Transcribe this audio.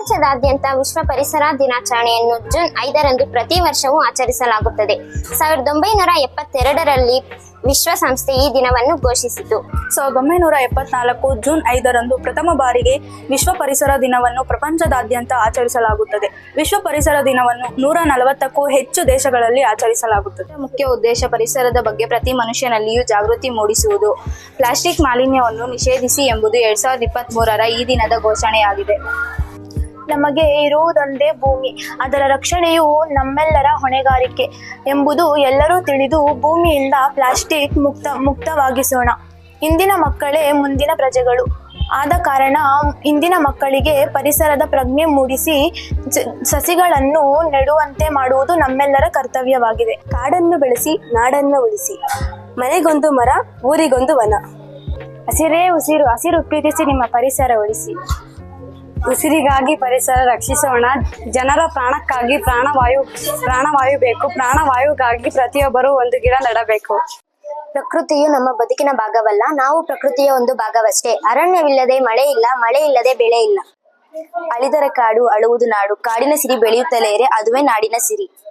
ಪ್ರಪಂಚದಾದ್ಯಂತ ವಿಶ್ವ ಪರಿಸರ ದಿನಾಚರಣೆಯನ್ನು ಜೂನ್ 5ರಂದು ಪ್ರತಿ ವರ್ಷವೂ ಆಚರಿಸಲಾಗುತ್ತದೆ. 1972ರಲ್ಲಿ ವಿಶ್ವಸಂಸ್ಥೆ ಈ ದಿನವನ್ನು ಘೋಷಿಸಿತು. 1974 ಜೂನ್ 5ರಂದು ಪ್ರಥಮ ಬಾರಿಗೆ ವಿಶ್ವ ಪರಿಸರ ದಿನವನ್ನು ಪ್ರಪಂಚದಾದ್ಯಂತ ಆಚರಿಸಲಾಗುತ್ತದೆ. ವಿಶ್ವ ಪರಿಸರ ದಿನವನ್ನು 140ಕ್ಕೂ ಹೆಚ್ಚು ದೇಶಗಳಲ್ಲಿ ಆಚರಿಸಲಾಗುತ್ತದೆ. ಮುಖ್ಯ ಉದ್ದೇಶ ಪರಿಸರದ ಬಗ್ಗೆ ಪ್ರತಿ ಮನುಷ್ಯನಲ್ಲಿಯೂ ಜಾಗೃತಿ ಮೂಡಿಸುವುದು. ಪ್ಲಾಸ್ಟಿಕ್ ಮಾಲಿನ್ಯವನ್ನು ನಿಷೇಧಿಸಿ ಎಂಬುದು 2023ರ ಈ ದಿನದ ಘೋಷಣೆಯಾಗಿದೆ. ನಮಗೆ ಇರುವುದೊಂದೇ ಭೂಮಿ, ಅದರ ರಕ್ಷಣೆಯು ನಮ್ಮೆಲ್ಲರ ಹೊಣೆಗಾರಿಕೆ ಎಂಬುದು ಎಲ್ಲರೂ ತಿಳಿದು ಭೂಮಿಯಿಂದ ಪ್ಲಾಸ್ಟಿಕ್ ಮುಕ್ತವಾಗಿಸೋಣ. ಇಂದಿನ ಮಕ್ಕಳೇ ಮುಂದಿನ ಪ್ರಜೆಗಳು. ಆದ ಕಾರಣ ಇಂದಿನ ಮಕ್ಕಳಿಗೆ ಪರಿಸರದ ಪ್ರಜ್ಞೆ ಮೂಡಿಸಿ ಸಸಿಗಳನ್ನು ನೆಡುವಂತೆ ಮಾಡುವುದು ನಮ್ಮೆಲ್ಲರ ಕರ್ತವ್ಯವಾಗಿದೆ. ಕಾಡನ್ನು ಬೆಳೆಸಿ ನಾಡನ್ನು ಉಳಿಸಿ, ಮನೆಗೊಂದು ಮರ ಊರಿಗೊಂದು ವನ. ಹಸಿರೇ ಉಸಿರು, ಹಸಿರು ಪ್ರೀತಿಸಿ ನಿಮ್ಮ ಪರಿಸರ ಉಳಿಸಿ. ಉಸಿರಿಗಾಗಿ ಪರಿಸರ ರಕ್ಷಿಸೋಣ. ಜನರ ಪ್ರಾಣಕ್ಕಾಗಿ ಪ್ರಾಣವಾಯು ಬೇಕು. ಪ್ರಾಣವಾಯುಗಾಗಿ ಪ್ರತಿಯೊಬ್ಬರೂ ಒಂದು ಗಿಡ ನೆಡಬೇಕು. ಪ್ರಕೃತಿಯು ನಮ್ಮ ಬದುಕಿನ ಭಾಗವಲ್ಲ, ನಾವು ಪ್ರಕೃತಿಯ ಒಂದು ಭಾಗವಷ್ಟೇ. ಅರಣ್ಯವಿಲ್ಲದೆ ಮಳೆ ಇಲ್ಲ, ಮಳೆ ಇಲ್ಲದೆ ಬೆಳೆ ಇಲ್ಲ. ಅಳಿದರೆ ಕಾಡು, ಅಳುವುದು ನಾಡು. ಕಾಡಿನ ಸಿರಿ ಬೆಳೆಯುತ್ತಲೇ ಇರೆ, ಅದುವೇ ನಾಡಿನ ಸಿರಿ.